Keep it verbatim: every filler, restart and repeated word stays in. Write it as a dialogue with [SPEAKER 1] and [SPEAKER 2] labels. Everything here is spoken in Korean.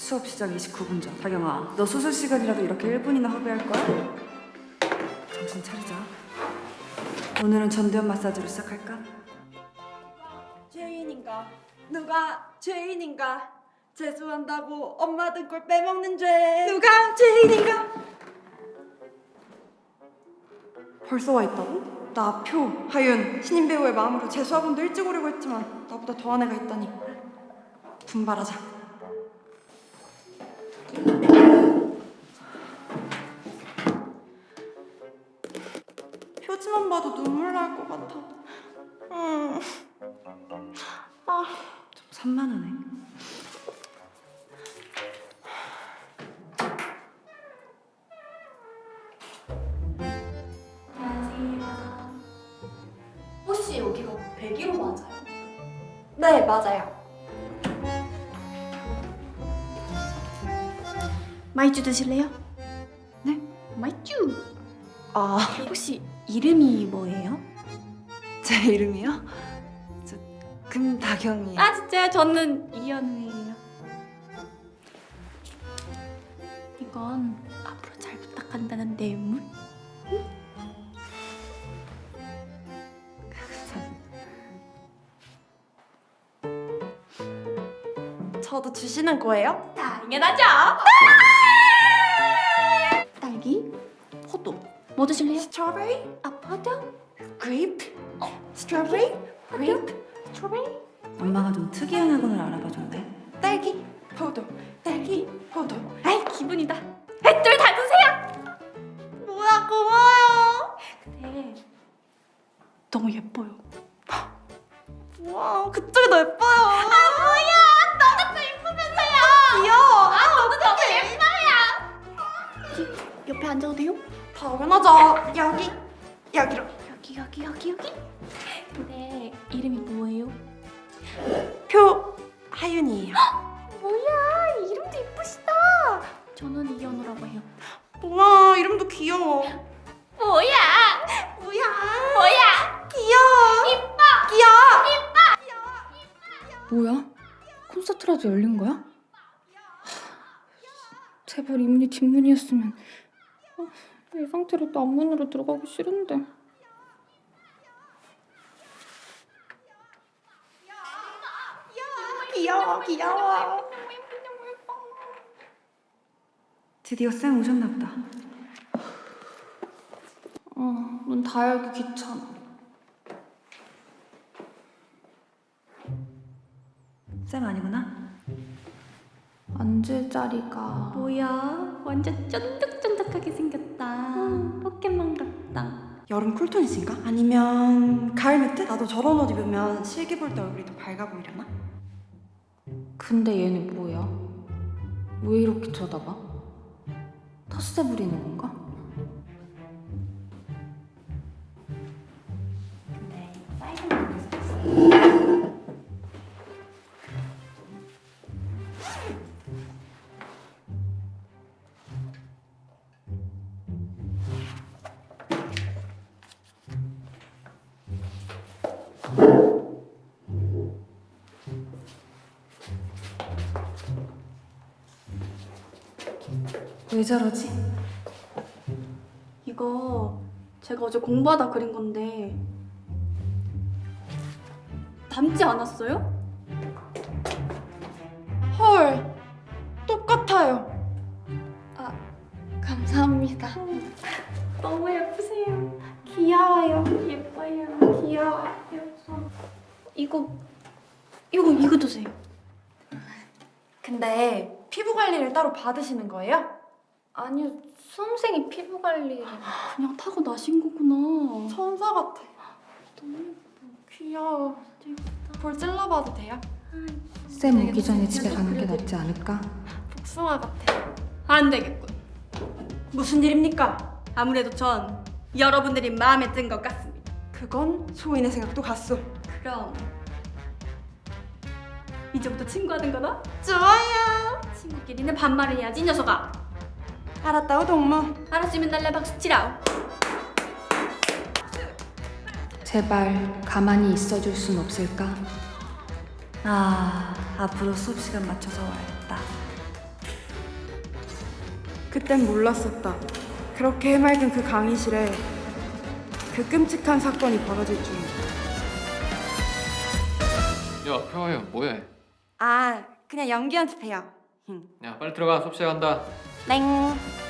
[SPEAKER 1] 수업 시작 이십구 분 전. 다경아, 너 수술 시간이라도 이렇게 일 분이나 허비할 거야? 정신 차리자. 오늘은 전두엽 마사지로 시작할까?
[SPEAKER 2] 죄인인가? 누가 죄인인가? 재수한다고 엄마 등골 빼먹는 죄. 누가 죄인인가? 벌써 와 있다고? 나 표, 하윤, 신인 배우의 마음으로 재수학원도 일찍 오려고 했지만 나보다 더한 애가 있다니. 분발하자. 표지만 봐도 눈물 날 것 같아. 음. 아.
[SPEAKER 1] 좀 산만하네.
[SPEAKER 3] 안녕하세요. 혹시 여기가 백일호 맞아요?
[SPEAKER 2] 네, 맞아요.
[SPEAKER 3] 마이쮸 드실래요?
[SPEAKER 2] 네?
[SPEAKER 3] 마이쮸!
[SPEAKER 2] 아,
[SPEAKER 3] 혹시 이름이 뭐예요?
[SPEAKER 2] 제 이름이요? 저 금다경이에요.
[SPEAKER 3] 아 진짜요? 저는 이현우예요. 이건 앞으로 잘 부탁한다는 뇌물?
[SPEAKER 2] 저도 주시는 거예요?
[SPEAKER 3] 당연하죠! 딸기? 포도 뭐 드실래요?
[SPEAKER 2] 스트로베리?
[SPEAKER 3] 아 포도?
[SPEAKER 2] 그레이프? 스트로베리? 그레이프?
[SPEAKER 3] 스트로베리?
[SPEAKER 1] 엄마가 좀 특이한 학원을 알아봐줬네.
[SPEAKER 2] 딸기? 포도. 딸기? 포도.
[SPEAKER 3] 아이 기분이다. 둘 다 드세요!
[SPEAKER 2] 뭐야, 고마워요.
[SPEAKER 3] 근데 너무 예뻐요.
[SPEAKER 2] 와, 그쪽이 더 예뻐요.
[SPEAKER 3] 아 뭐야! 너가 더 예쁘면서요!
[SPEAKER 2] 귀여워.
[SPEAKER 3] 아 너도 너무 예뻐요! 옆에 앉아도 돼요?
[SPEAKER 2] 당연하죠. 여기. 여기로.
[SPEAKER 3] 여기 여기 여기 여기. 근데 이름이 뭐예요?
[SPEAKER 2] 표 하윤이에요.
[SPEAKER 3] 뭐야 이름도 예쁘시다. 저는 이현우라고 해요.
[SPEAKER 2] 우와, 이름도 귀여워.
[SPEAKER 3] 뭐야?
[SPEAKER 2] 뭐야?
[SPEAKER 3] 뭐야?
[SPEAKER 2] 귀여워.
[SPEAKER 3] 이뻐.
[SPEAKER 2] 귀여워.
[SPEAKER 4] 뭐야? 콘서트라도 열린 거야? 하, 제발 이문이 뒷문이었으면. 아, 이 상태로 또 앞문으로 들어가기 싫은데.
[SPEAKER 2] 귀여워, 귀여워.
[SPEAKER 1] 드디어 쌤 오셨나 보다.
[SPEAKER 4] 어, 문 다 열기 귀찮아.
[SPEAKER 1] 쌤 아니구나?
[SPEAKER 4] 앉을 자리가.
[SPEAKER 3] 뭐야? 완전 쫀득쫀득하게 생겼다. 포켓몬 같다.
[SPEAKER 2] 여름 쿨톤이신가? 아니면 가을 매트? 나도 저런 옷 입으면 실기 볼 때 얼굴이 더 밝아 보이려나?
[SPEAKER 4] 근데 얘네 뭐야? 왜 이렇게 쳐다봐? 텃세 부리는 건가?
[SPEAKER 3] 근데 빨간 머리에서
[SPEAKER 1] 왜 저러지?
[SPEAKER 3] 이거 제가 어제 공부하다 그린 건데 닮지 않았어요?
[SPEAKER 2] 헐, 똑같아요.
[SPEAKER 3] 감사합니다. 너무 예쁘세요.
[SPEAKER 2] 귀여워요.
[SPEAKER 3] 예뻐요.
[SPEAKER 2] 귀여워.
[SPEAKER 3] 예뻐. 이거 이거 이거 드세요.
[SPEAKER 2] 근데 피부 관리를 따로 받으시는 거예요?
[SPEAKER 3] 아니요, 수험생이 피부 관리를 그냥 타고 나신 거구나.
[SPEAKER 2] 천사 같아.
[SPEAKER 3] 너무
[SPEAKER 2] 귀여워.
[SPEAKER 3] 예쁘다.
[SPEAKER 2] 볼 찔러봐도 돼요?
[SPEAKER 4] 쌤 오기 전에 집에 가는 게 낫지 않을까?
[SPEAKER 2] 복숭아 같아.
[SPEAKER 3] 안 되겠군.
[SPEAKER 2] 무슨 일입니까?
[SPEAKER 3] 아무래도 전 여러분들이 마음에 든 것 같습니다.
[SPEAKER 2] 그건 소인의 생각도 같소.
[SPEAKER 3] 그럼 이제부터 친구하는 거다?
[SPEAKER 2] 좋아요.
[SPEAKER 3] 친구끼리는 반말을 해야지 이 녀석아.
[SPEAKER 2] 알았다오 동무.
[SPEAKER 3] 알았으면 날래 박수 치라우.
[SPEAKER 4] 제발 가만히 있어줄 순 없을까?
[SPEAKER 1] 아, 앞으로 수업 시간 맞춰서 와야겠다.
[SPEAKER 2] 그땐 몰랐었다. 그렇게 해맑은 그 강의실에 그 끔찍한 사건이 벌어질 줄은.
[SPEAKER 5] 야, 표하연 뭐해?
[SPEAKER 2] 아, 그냥 연기 연습해요.
[SPEAKER 5] 야, 빨리 들어가. 수업 시작한다.
[SPEAKER 2] 땡.